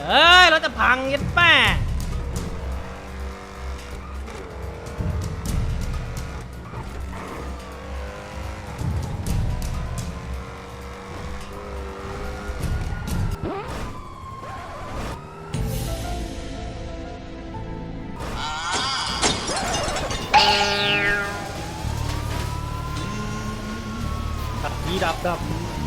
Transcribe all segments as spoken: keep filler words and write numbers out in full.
เอ้ยรถจะพังยัดแป้ยีดับดับ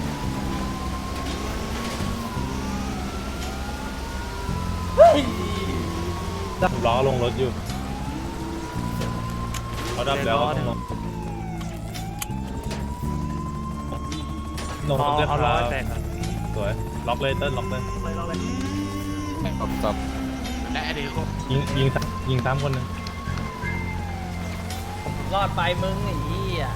ดับล้อลงรถอยู่เขาดับแล้วต้องลงลงรถด้วยครับสวยล็อกเลยเติ้ลล็อกเลยล็อกเลยล็อกเลยได้ดิยิงยิงยิงสามคนนึงรอดไปมึงไอ้เหี้ย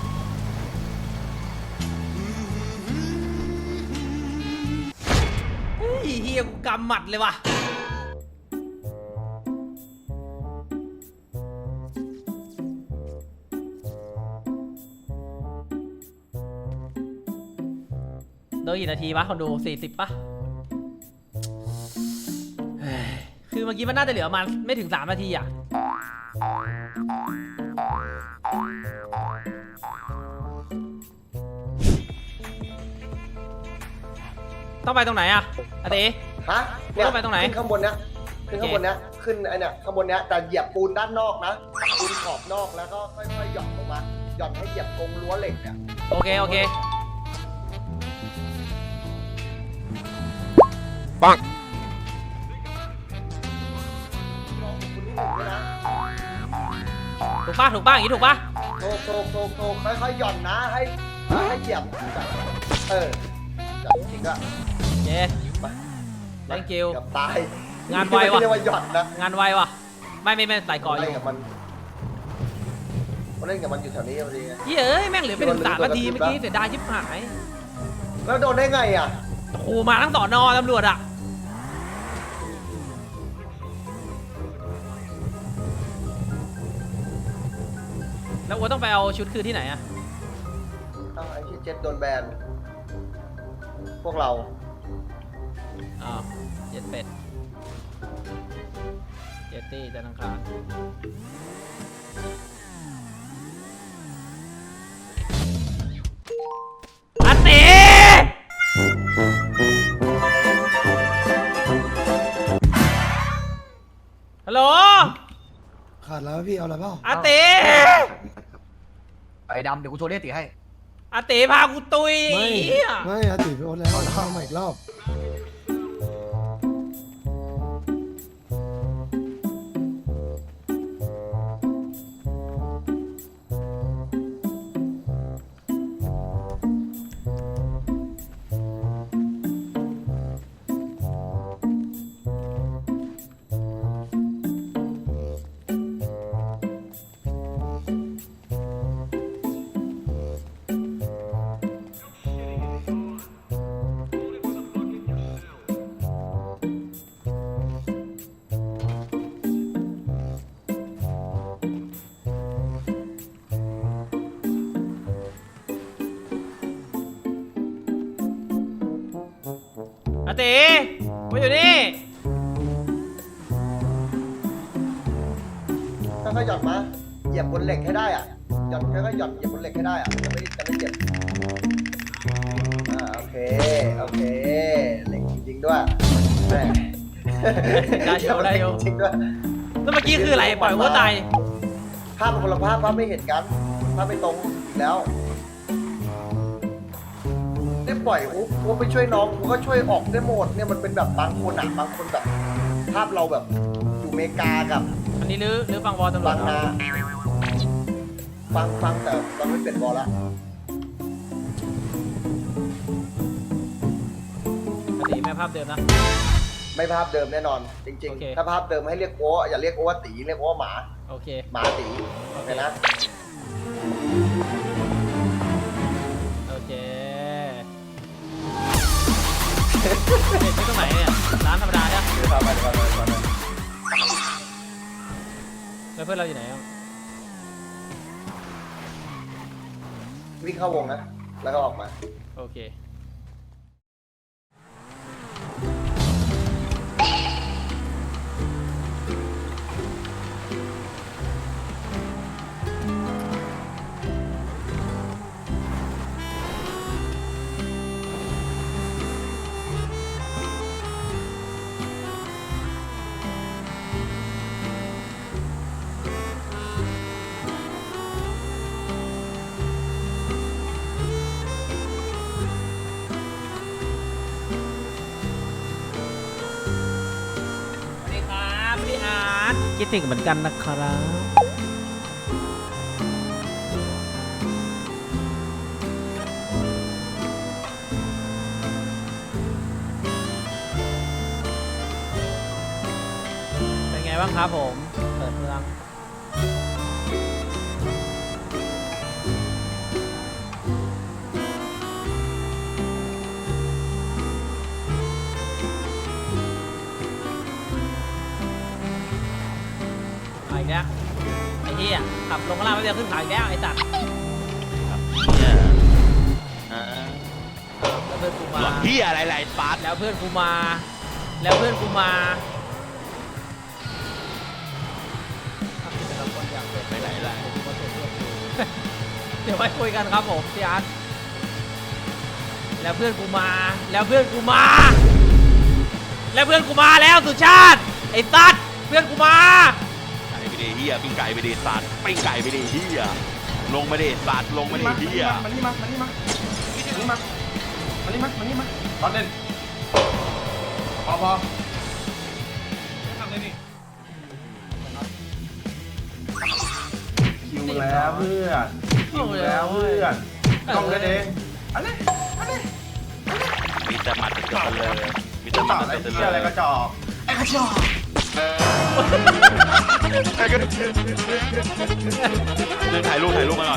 เฮ้ยเหี้ยกูกำหมัดเลยว่ะโดนกี่นาทีวะคนดูสี่สิบป่ะคือเมื่อกี้มันน่าจะเหลือประมาณไม่ถึงสามนาทีอ่ะต้องไปตรงไหนอะอาติฮะเนี่ยต้องไปตรงไหนขึ้นข้างบนเนี้ยขึ้นข้างบนเนี้ยขึ้นไอเนี้ยข้างบนเนี้ยแต่เหยียบปูนด้านนอกนะปูนขอบนอกแล้วก็ค่อยๆหย่อนลงมาหย่อนให้เหยียบกรงรั้วเหล็กเนี่ยโอเคโอเคปังถูกป่ะถูกป่ะอย่างนี้ถูกป่ะโตโตโตโตค่อยๆหย่อนนะให้ให้เหยียบเออจับจริงก็เย้ไป thank you กับตายงานไวว่ะเรียกว่าหย่อนนะงานไวว่ะไม่ไม่ไม่ใส่ก่อนอยู่กับมันเล่นกับมันอยู่แถวนี้พอดีเฮ้ยแม่งเหลือไปถึงสามนาทีเมื่อกี้เสียดายชิบหายแล้วโดนได้ไงอ่ะโอ้มาทั้งสอนอตำรวจอ่ะแล้วอัวต้องไปเอาชุดคืนที่ไหนอ่ะต้องไอ้ที่เจ็ดโดนแบนพวกเราอ้าวเจ็ดเป็ดเจ็ดตี้จันทร์อังคารอาติฮัลโหลขาดแล้วพี่เอาอะไรเปล่าอาติไอ้ดำเดี๋ยวกูโทรเรียกติให้อาติพากูตุยไม่ไม่อาติไปโอ๊ตแล้วเข้ามาอีกรอบอาติมาอยู่นี่ค่อยๆหย่อนมาเหยียบบนเหล็กให้ได้อ่ะหย่อนค่อยๆหย่อนเหยียบบนเหล็กให้ได้อ่ะจะไม่จะไม่เจ็บอ่าโอเคโอเคเหล็กจริงๆด้วยแม่ได้โยได้โยจริงด้วยแล้วเมื่อกี้คืออะไรปล่อยวัวตายภาพคนละภาพภาพไม่เห็นกันภาพไม่ตรงอีกแล้วได้ปล่อยอุ๊บอุ๊บไปช่วยน้องกูก็ช่วยออกได้หมดเนี่ยมันเป็นแบบบางคนอ่ะบางคนแบบภาพเราแบบอยู่อเมริกากับอันนี้ลื้อลื้อฟังวอลตำรวจบางนาฟังฟังแต่ตอนไม่เป็นวอลละอาติแม่ภาพเดิมนะไม่ภาพเดิมแน่นอนจริงๆถ้าภาพเดิมให้เรียกโอ้อย่าเรียกโอ้ว่าตีเรียกโอ้ว่าหมาโอเคหมาตีโอเคนะโอเคเด็กไม่ตรงไหนเนี่ยร้านธรรมดาเนี่ยพาไปพาไปพาไปแล้วเพื่อนเราอยู่ไหนอ่ะวิ่งเข้าวงนะแล้วก็ออกมาโอเคคิดถึงเหมือนกันนะครับเป็นไงบ้างครับผมเปิดเมืองมาอีกแล้วไอ้เหี้ยขับลงข้างล่างแล้วเดี๋ยวขึ้นเขาอีกแล้วไอ้สัตว์เนี่ยอ่าแล้วเพื่อนกูมาหลอกพี่อะไรไรปาร์ตแล้วเพื่อนกูมา แล้วเพื่อนกูมาไปไหนล่ะเดี๋ยวไว้คุยกันครับผมพี่อาร์ตแล้วเพื่อนกูมา แล้วเพื่อนกูมา แล้วเพื่อนกูมาแล้วสุชาติไอ้ตัดเพื่อนกูมาไก่ไปดิเฮียปิ้งไก่ไปดิสัตว์ปิ้งไก่ไปดิเฮียลงมาดิสัตว์ลงมาดิเฮียมันนี่มามันนี่มามันนี่มามันนี่มามันนี่มาตอนเล่นพอพอทำเลยนี่คิวแล้วเพื่อนคิวแล้วเพื่อนต้องเล่นเองอันนี้อันนี้มีแต่หมัดเกิดเลยมีแต่หต่มัอดไอ้เกิดเหี้เลยอะไรกระจอกไอ้กระจอกเรื่องถ่ายรูปถ่ายรูปมาก่อน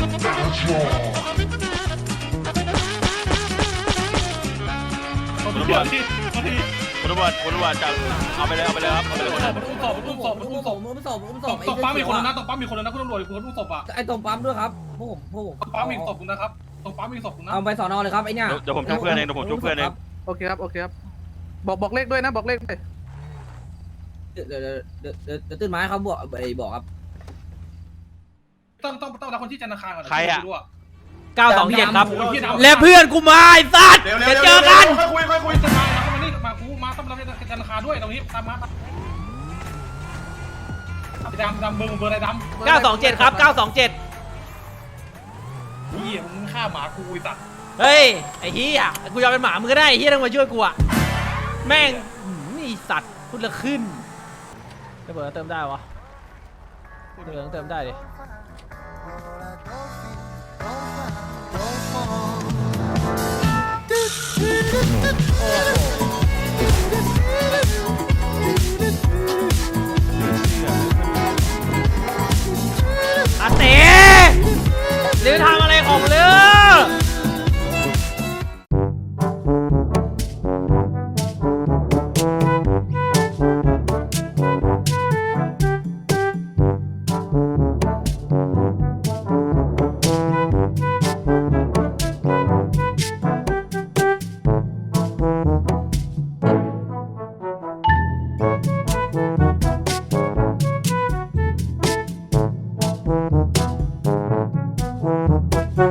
คุณตำรวจคุณตำรวจคุณตำรวจจับเอาไปเลยเอาไปเลยครับเอาไปเลยคนอุ้มศพอุ้มศพอุ้มศพอุ้มศพอุ้มศพตบปั๊มมีคนนะตบปั๊มมีคนนะคุณตำรวจคุณอุ้มศพอ่ะไอ้ตรงปั๊มด้วยครับพวกผมพวกผมตบปั๊มมีศพคุณนะครับตบปั๊มมีศพคุณนะเอาไปสอนอเลยครับไอ้เนี่ยเดี๋ยวผมช่วยเพื่อนเองเดี๋ยวผมช่วยเพื่อนเองโอเคครับ โอเคครับ บอกบอกเลขด้วยนะ บอกเลขด้วยเดี๋ยวเดี๋ยวเดี๋ยวเดี๋ยวเดี๋ยวตื่นมาให้เขาบอกไอ้บอกครับต้องต้องต้องรับคนที่ธนาคารก่อนเก้าสองเจ็ดครับ แล้วเพื่อนกูมาไอ้สัตว์เดี๋ยวจะเดี๋ยวเจอกันค่อยคุยค่อยคุยจะมาแล้วมานี่มากูมาต้องรับธนาคารด้วยตรงนี้ตามมาดำดำเบอร์เบอร์อะไรดำเก้าสองเจ็ดครับเก้าสองเจ็ดเฮียมึงฆ่าหมากูไอ้สัตว์เฮ้ยไอ้เหี้ยกูยอมเป็นหมามึงก็ได้ไอ้เหี้ยต้องมาช่วยกูอะแม่งหืมนี่สัตว์พูดละขึ้นระเบิดเติมได้วะเติมเติมได้ดิ